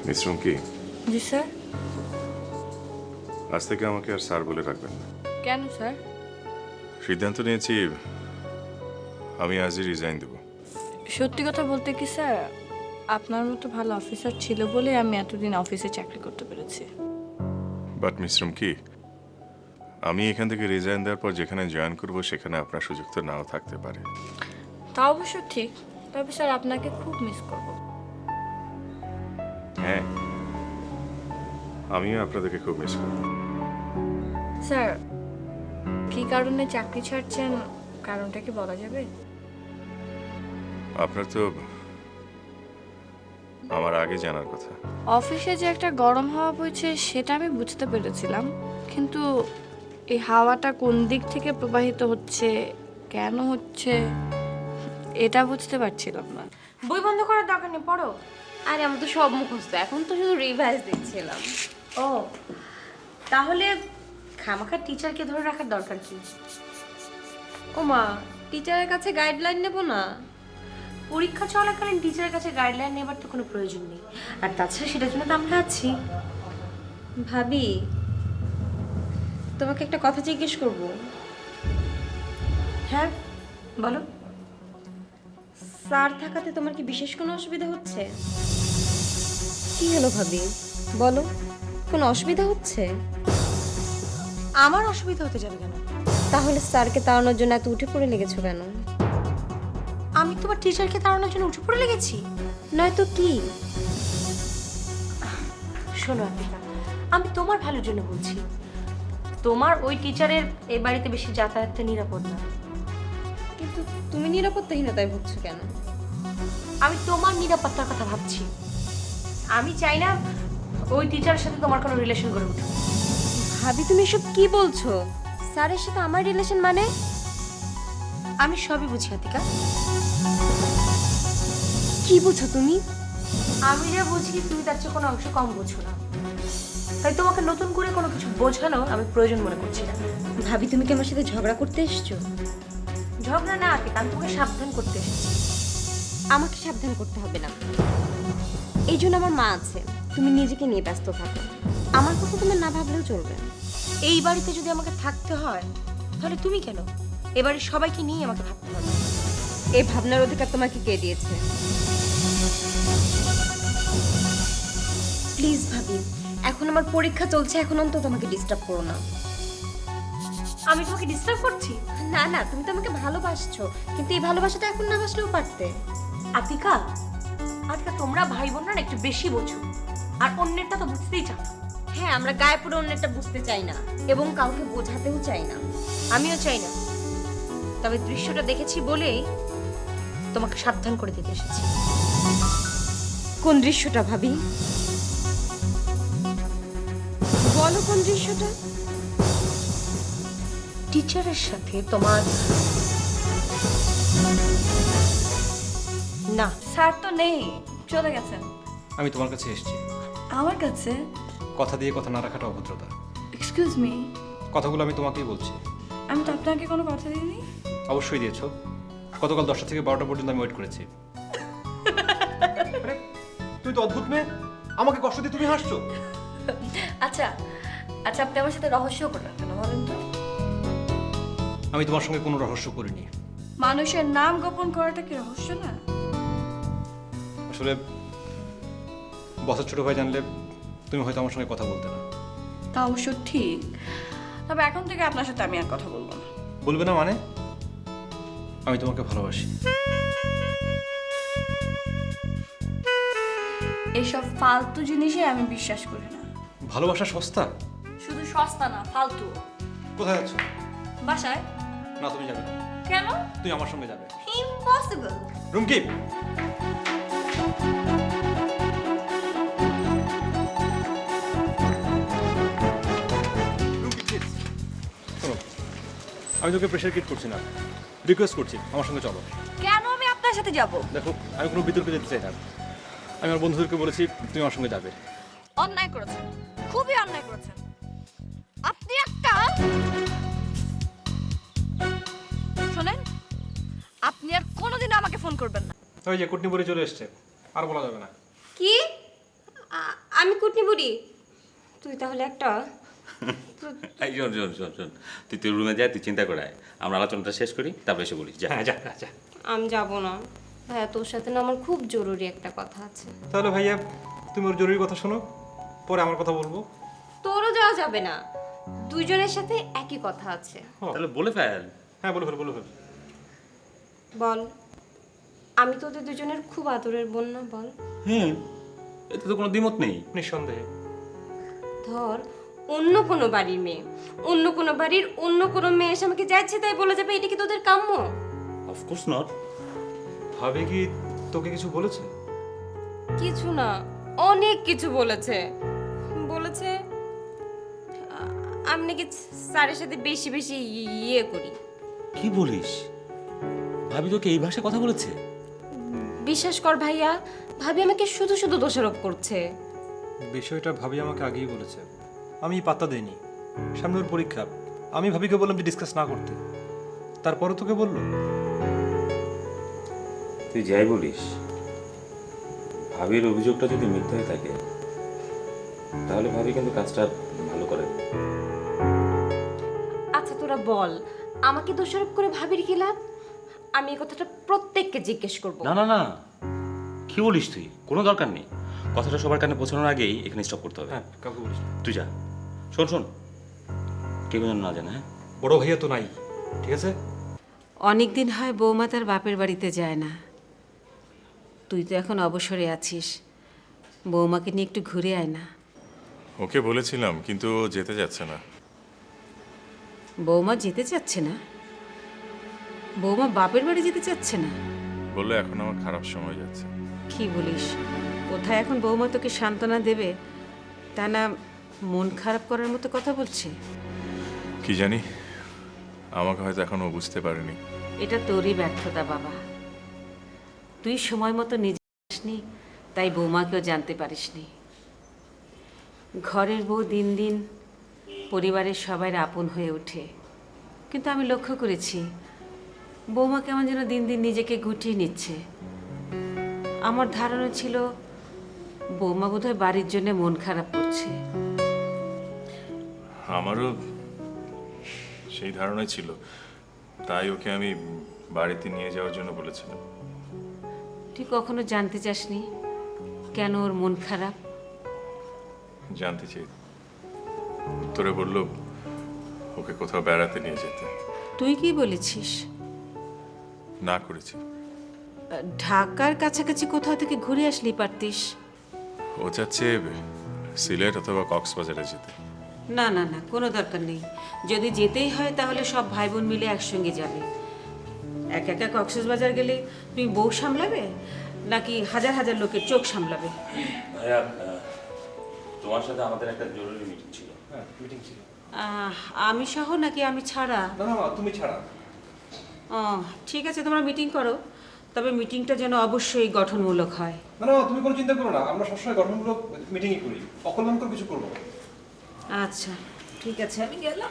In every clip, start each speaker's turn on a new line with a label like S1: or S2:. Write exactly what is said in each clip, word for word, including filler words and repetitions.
S1: Miss Rumki,
S2: জি sir.
S1: আজ থেকে আমাকে আর স্যার বলে রাখবেন না।
S2: কেন স্যার?
S1: সিদ্ধান্ত নিয়েছি আমি আজই রিজাইন দেব।
S2: সত্যি কথা বলতে কি স্যার, আপনার মতো ভালো অফিসার ছিল বলে আমি এতদিন অফিসে চাকরি করতে পেরেছি।
S1: বাট মিস রুমকি, আমি এখান থেকে রিজাইন দেওয়ার পর যেখানে জয়েন করব সেখানে আপনার সুযোগ তো নাও থাকতে পারে।
S2: তা অবশ্য ঠিক, তবে স্যার আপনাকে খুব মিস করব।
S1: হ্যাঁ, আমিও আপনাদেরকে খুব মিস করব।
S2: স্যার, কি কারণে চাকরি ছাড়ছেন কারণটা কি বলা যাবে?
S1: আপনার তো আমার আগে জানার কথা।
S2: অফিসে যে একটা গরম হাওয়া বইছে সেটা আমি বুঝতে পেরেছিলাম, কিন্তু এই হাওয়াটা কোন দিক থেকে প্রবাহিত হচ্ছে, কেন হচ্ছে, এটা বুঝতে পারছিলাম না।
S3: বই বন্ধ করার দরকার নেই, পড়ো। আরে আমার তো সব মুখস্থ, এখন তো শুধু রিভাইজ দিচ্ছিলাম। ও তাহলে খামাখা টিচারকে ধরে রাখার দরকার কি? ও মা, টিচারের কাছে গাইডলাইন নেব না? পরীক্ষা চলাকালীন টিচারের কাছে গাইডলাইন নেবার তো কোনো প্রয়োজন নেই। আর তাছাড়া সেটার জন্য তো আমরা আছি। ভাবি, তোমাকে একটা কথা জিজ্ঞেস করব। হ্যাঁ বলো। স্যার থাকাতে তোমার কি বিশেষ কোনো অসুবিধা হচ্ছে? কি হলো ভাবি, বলো, কোনো অসুবিধা হচ্ছে? আমার অসুবিধা হতে যাবে কেন? তাহলে স্যারকে তাড়ানোর জন্য এত উঠে পড়ে লেগেছো কেন? আমি তোমার টিচারকে তাড়ানোর জন্য উঠে পড়ে লেগেছি? নয়তো কি? শোনো আপিকা, আমি তোমার ভালোর জন্য বলছি। তোমার ওই টিচারের এই বাড়িতে বেশি যাতায়াতটা নিরাপদ না। কিন্তু তুমি নিরাপত্তাহীনতায় ভুগছো কেন? আমি তোমার নিরাপত্তার কথা ভাবছি। আমি চাই না ওই টিচারের সাথে তোমার কোনো রিলেশন গড়ে উঠুক। ভাবি, তুমি এসব কি বলছো? স্যারের সাথে আমার রিলেশন মানে? আমি সবই বুঝি আতিকা। কি বুঝো তুমি? আমি যা বুঝি তুমি তার চেয়ে কোনো অংশ কম বুঝো না। তাই তোমাকে নতুন করে কোনো কিছু বোঝানো আমি প্রয়োজন মনে করছি না। ভাবি, তুমি কি আমার সাথে ঝগড়া করতে এসেছো? ঝগড়া না আতিকা, আমি তোমাকে সাবধান করতে এসেছি। আমাকে সাবধান করতে হবে না, এই জন্য আমার মা আছে। তুমি নিজেকে নিয়ে ব্যস্ত থাকো, আমার কথা তোমার না ভাবলেও চলবে। এই বাড়িতে যদি আমাকে থাকতে হয় তাহলে তুমি কেন, এ বাড়ির সবাইকে নিয়ে আমাকে ভাবতে হবে। এই ভাবনার অধিকার তোমাকে কে দিয়েছে? প্লিজ ভাবি, এখন আমার পরীক্ষা চলছে, এখন অন্তত তোমাকে ডিস্টার্ব করো না। আমি তোমাকে ডিস্টার্ব করছি? না না, তুমি তো আমাকে ভালোবাসছো, কিন্তু এই ভালোবাসাটা এখন না বাসলেও পারতে। আতিকা, আতিকা, তোমরা ভাই বোনরা না একটু বেশি বোঝো, আর অন্যেরটা তো বুঝতেই চাও। হ্যাঁ, আমরা গায়ে পড়ে অন্যেরটা বুঝতে চাই না এবং কাউকে বোঝাতেও চাই না। আমিও চাই না, তবে দৃশ্যটা দেখেছি বলেই তোমাকে সাবধান করে দিতে এসেছি। কোন দৃশ্যটা ভাবি? বলো কোন দৃশ্যটা? টিচারের সাথে তোমার। না,
S2: স্যার তো নেই, চলে গেছেন।
S4: আমি তোমার কাছে এসেছি।
S2: আমার কাছে?
S4: কথা দিয়ে কথা না রাখাটা অভদ্রতা।
S2: এক্সকিউজ মি,
S4: কথাগুলো আমি তোমাকেই বলছি।
S2: আমি তো আপনাকে কোনো কথা দিইনি।
S4: অবশ্যই দিয়েছো। গতকাল দশটা থেকে বারোটা পর্যন্ত আমি ওয়েট করেছি। আরে, তুই তো অদ্ভুত মেয়ে, আমাকে কষ্ট দিয়ে তুমি হাসছো।
S2: আচ্ছা আচ্ছা, আপনি আমার সাথে রহস্য করলেন কেন বলেন তো?
S4: আমি তোমার সঙ্গে কোনো রহস্য করিনি।
S2: মানুষের নাম গোপন করাটা কি রহস্য না?
S4: আসলে বসের ছোট ভাই জানলে তুমি হয়তো আমার সঙ্গে কথা বলতে না।
S2: তা অবশ্য ঠিক, তবে এখন থেকে আপনার সাথে আমি আর কথা বলবো না।
S4: বলবে না মানে? আমি তোমাকে ভালোবাসি।
S2: এসব ফালতু জিনিসে আমি বিশ্বাস করি না।
S4: ভালোবাসা সস্তা?
S2: শুধু সস্তা না, ফালতু।
S4: কোথায় যাচ্ছ?
S2: বাসায়।
S4: না, তুমি যাবে না।
S2: কেন?
S4: তুই আমার সঙ্গে যাবে।
S2: ইম্পসিবল।
S4: রুমকি, আমি তোকে প্রেশার ক্রিয়েট করছি না, রিকোয়েস্ট করছি আমার সঙ্গে চলো।
S2: কেন আমি আপনার সাথে যাব?
S4: দেখো, আমি কোনো বিতর্কে যেতে চাই না। আমি আমার বন্ধুদেরকে বলেছি তুমি আমার সঙ্গে যাবে।
S2: অন্যায় করেছেন, খুবই অন্যায় করেছেন আপনি। একটা শোনেন, আপনি আর কোনোদিনও আমাকে ফোন করবেন না।
S4: ওই যে কুটনি বলে চলে এসছে, আর বলা যাবে না।
S3: কি? আ- আমি কুটনি বুড়ি, তুই তাহলে একটা।
S5: এই শোন শোন শোন শোন তুই তোর রুমে যা, তুই চিন্তা করে আয়। আমরা আলোচনাটা শেষ করি, তারপরে এসে বলিস যা।
S4: হ্যাঁ যা যা, যা।
S3: আমি যাব না ভাইয়া, তোর সাথে না আমার খুব জরুরি একটা কথা আছে।
S4: তাহলে ভাইয়া তুমি ওর জরুরি কথা শোনো, পরে আমার কথা বলবো।
S3: তোরও যাওয়া যাবে না, দুইজনের সাথে একই কথা আছে।
S5: তাহলে বলে ফেল।
S4: হ্যাঁ বলে ফেল বলে ফেল।
S3: বল, আমি তোদের দুজনের খুব আদরের বোন না? বল।
S5: হ্যাঁ, এতে তো কোনো দ্বিমত নেই।
S4: নিঃসন্দেহে।
S3: ধর অন্য কোনো বাড়ির মেয়ে, অন্য কোনো বাড়ির অন্য কোনো মেয়ে এসে আমাকে যা ইচ্ছে তাই বলে যাবে, এটা কি তোদের কাম্য?
S5: Of course not.
S4: ভাবে কি তোকে কিছু বলেছে?
S3: কিছু না, অনেক কিছু বলেছে। বলেছে আ- আমি নাকি স্যারের সাথে বেশি বেশি ইয়ে করি।
S5: কি বলিস? ভাবি তোকে এই ভাষায় কথা বলেছে?
S3: বিশ্বাস কর ভাইয়া, ভাবি আমাকে শুধু শুধু দোষারোপ করছে।
S4: বিষয়টা ভাবি আমাকে আগেই বলেছে, আমি পাত্তা দেইনি। সামনে ওর পরীক্ষা, আমি ভাবিকে বললাম যে ডিসকাস না করতে, তারপরে তোকে বললো।
S5: তুই যাই বলিস, ভাবির অভিযোগটা যদি মিথ্যা হয়ে থাকে তাহলে ভাবি কিন্তু কাজটা ভালো করে।
S3: আচ্ছা তোরা বল, আমাকে দোষারোপ করে ভাবির কি লাভ? আমি এই কথাটা প্রত্যেককে জিজ্ঞেস করব।
S5: না না না, কি বলিস তুই? কোনো দরকার নেই। কথাটা সবার কানে পৌঁছানোর আগেই এখানে স্টপ করতে হবে।
S4: হ্যাঁ কাউকে বলিস না।
S5: তুই যা। শোন শোন, কেউ যেন না জানে। হ্যাঁ,
S4: বড় ভাইয়া তো নাই, ঠিক আছে?
S6: অনেক দিন হয় বৌমা তার বাপের বাড়িতে যায় না। তুই তো এখন অবসরে আছিস, বৌমাকে নিয়ে একটু ঘুরে আয় না।
S1: ওকে বলেছিলাম, কিন্তু ও যেতে যাচ্ছে না।
S6: বৌমা যেতে চাচ্ছে না? বৌমা বাপের বাড়ি যেতে চাচ্ছে না?
S1: বললো এখন আমার খারাপ সময় যাচ্ছে।
S6: কি বলিস? কোথায় এখন বৌমা তোকে সান্ত্বনা দেবে, তা না মন খারাপ করার মতো কথা বলছে?
S1: কি জানি, আমাকে হয়তো এখনো বুঝতে পারেনি।
S6: এটা তোরই ব্যর্থতা বাবা, তুই সময় মতো নিজে আসনি, তাই বৌমাকেও জানতে পারিসনি। ঘরের বউ দিন দিন পরিবারের সবাই আপন হয়ে ওঠে, কিন্তু আমি লক্ষ্য করেছি বৌমা কেমন যেন দিন দিন নিজেকে গুটিয়ে নিচ্ছে। আমার ধারণা ছিল বৌমা বোধহয় বাড়ির জন্য মন খারাপ করছে।
S1: আমারও সেই ধারণাই ছিল, তাই ওকে আমি বাড়িতে নিয়ে যাওয়ার জন্য বলেছিলাম।
S6: তুই কখনো জানতে চাসনি কেন ওর মন খারাপ?
S1: জানতে চাই। উত্তরে বলল ওকে কোথাও বেড়াতে নিয়ে যেতে।
S6: তুই কি বলেছিস?
S1: না করেছি।
S6: ঢাকার কাছাকাছি কোথাও থেকে ঘুরে আসলি পারতিস।
S1: ও চাচ্ছে সিলেট অথবা কক্সবাজারে যেতে।
S6: না না না, কোনো দরকার নেই। যদি যেতেই হয় তাহলে সব ভাই বোন মিলে একসঙ্গে যাবে। একা একা কক্সবাজার গেলে তুমি বউ সামলাবে নাকি হাজার হাজার লোকের চোখ সামলাবে?
S5: ভাইয়া, তোমার সাথে আমাদের একটা জরুরি মিটিং ছিল।
S4: হ্যাঁ মিটিং ছিল।
S6: আহ, আমি সহ নাকি আমি ছাড়া?
S4: না না তুমি ছাড়া।
S6: ও ঠিক আছে, তোমরা মিটিং করো, তবে মিটিংটা যেন অবশ্যই গঠনমূলক হয়।
S4: না না তুমি কোনো চিন্তা করো না, আমরা সবসময় গঠনমূলক মিটিংই করি, অকল্যাণকর কিছু করবো না।
S6: আচ্ছা ঠিক আছে, আমি গেলাম।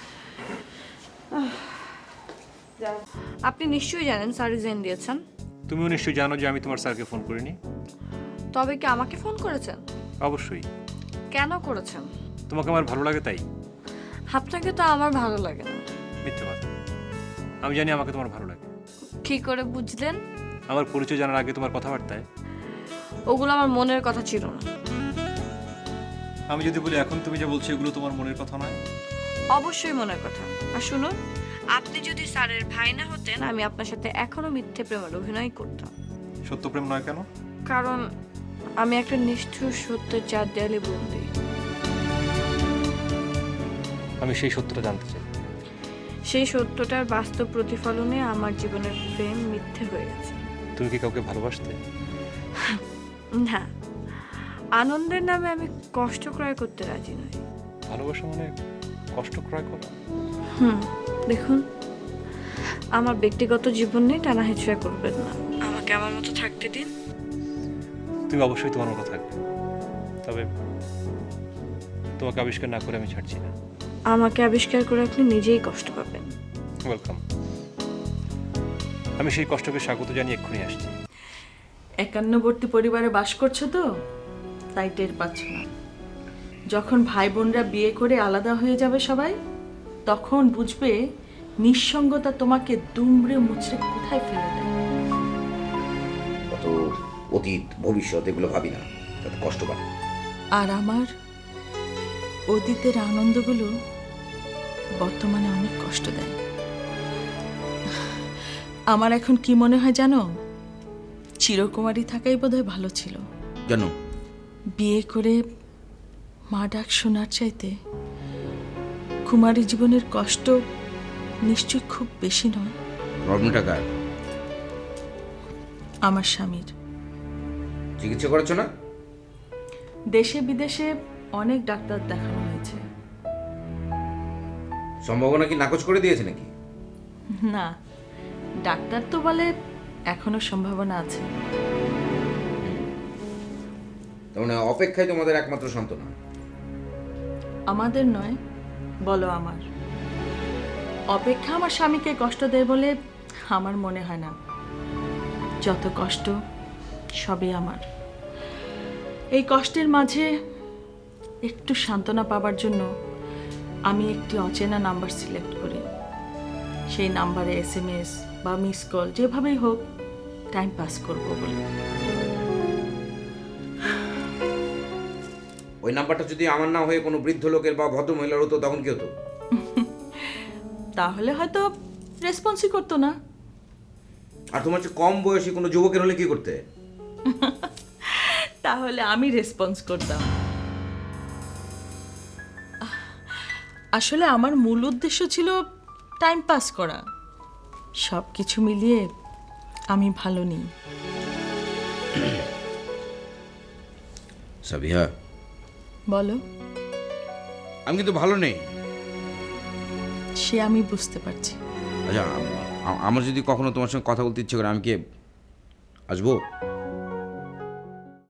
S6: যাও।
S2: আপনি নিশ্চয়ই জানেন স্যার রিজাইন দিয়েছেন।
S4: তুমিও নিশ্চয়ই জানো যে আমি তোমার স্যারকে ফোন করিনি।
S2: তবে কি আমাকে ফোন করেছেন?
S4: অবশ্যই।
S2: কেন করেছেন?
S4: তোমাকে আমার ভালো লাগে তাই।
S2: আপনাকে তো আমার ভালো লাগে না।
S4: মিথ্যে কথা, আমি জানি আমাকে তোমার ভালো লাগে।
S2: কি করে বুঝলেন?
S4: আমার পরিচয় জানার আগে তোমার কথাবার্তায়।
S2: ওগুলো আমার মনের কথা ছিল না।
S4: আমি যদি বলি এখন তুমি যা বলছো এগুলো তোমার মনের কথা নয়?
S2: অবশ্যই মনের কথা। আর শুনুন, আপনি যদি স্যারের ভাই না হতেন আমি আপনার সাথে এখনো মিথ্যে প্রেমের অভিনয় করতাম।
S4: সত্য প্রেম নয় কেন?
S2: কারণ আমি একটা নিষ্ঠুর সত্যের চার দেয়ালে বন্দি।
S4: আমি সেই সত্যটা জানতে চাই।
S2: সেই সত্যটার বাস্তব প্রতিফলনে আমার জীবনের প্রেম মিথ্যে হয়ে গেছে।
S4: তুমি কি কাউকে ভালোবাসতে?
S2: না, আনন্দের নামে আমি কষ্ট ক্রয় করতে রাজি নই।
S4: ভালোবাসা মানে কষ্ট ক্রয় করা?
S2: হুম, দেখুন, আমার ব্যক্তিগত জীবন নিয়ে টানা হেঁচড়া করবেন না, আমাকে আমার মতো থাকতে দিন।
S4: তুমি অবশ্যই তোমার মতো থাকবে, তবে তোমাকে আবিষ্কার না করে আমি ছাড়ছি না।
S2: আমাকে আবিষ্কার করে আপনি নিজেই কষ্ট পাবেন।
S4: ওয়েলকাম। আমি সেই কষ্টকে স্বাগত জানিয়ে এক্ষুনি আসছি।
S7: একান্নবর্তী পরিবারে বাস করছো তো, তাই টের পাচ্ছ না। যখন ভাই বোনরা বিয়ে করে আলাদা হয়ে যাবে সবাই, তখন বুঝবে নিঃসঙ্গতা তোমাকে দুমড়ে মুচড়ে কোথায় ফেলে দেয়।
S8: অত অতীত ভবিষ্যৎ এগুলো ভাবি না, তাতে কষ্ট পায়।
S7: আর আমার অতীতের আনন্দগুলো বর্তমানে অনেক কষ্ট দেয়। আমার এখন কি মনে হয় জানো, চিরকুমারী থাকাই বোধহয় ভালো ছিল।
S8: কেন?
S7: বিয়ে করে মা ডাক শোনার চাইতে কুমারী জীবনের কষ্ট নিশ্চয়ই খুব বেশি নয়।
S8: প্রবলেমটা কার?
S7: আমার স্বামীর।
S8: চিকিৎসা করাচ্ছ না?
S7: দেশে বিদেশে অনেক ডাক্তার দেখানো হয়েছে।
S8: সম্ভাবনা কি নাকচ করে দিয়েছে নাকি?
S7: না, ডাক্তার তো বলে এখনো সম্ভাবনা আছে।
S8: তার মানে অপেক্ষায় তোমাদের একমাত্র সান্ত্বনা?
S7: আমাদের নয়, বলো আমার। অপেক্ষা আমার স্বামীকে কষ্ট দেয় বলে আমার মনে হয় না। যত কষ্ট সবই আমার। এই কষ্টের মাঝে একটু সান্ত্বনা পাবার জন্য আমি একটি অচেনা নাম্বার সিলেক্ট করি। সেই নাম্বারে এস এম এস বা মিস কল যেভাবেই হোক টাইম পাস করবো বলে।
S8: ওই নাম্বারটা যদি আমার না হয়ে কোনো বৃদ্ধ লোকের বা ভদ্র মহিলার হতো তখন কি হতো?
S7: তাহলে হয়তো রেসপন্সই করতো না।
S8: আর তোমার চেয়ে কম বয়সী কোনো যুবকের হলে কি করতে?
S7: তাহলে আমি রেসপন্স করতাম। আসলে আমার মূল উদ্দেশ্য ছিল টাইম পাস করা। সব কিছু মিলিয়ে আমি ভালো নেই।
S8: সাবিহা,
S7: বলো।
S8: আমি কিন্তু ভালো নেই।
S7: সে আমি বুঝতে পারছি।
S8: আচ্ছা, আম- আমার যদি কখনো তোমার সঙ্গে কথা বলতে ইচ্ছে করে আমি কি আসবো?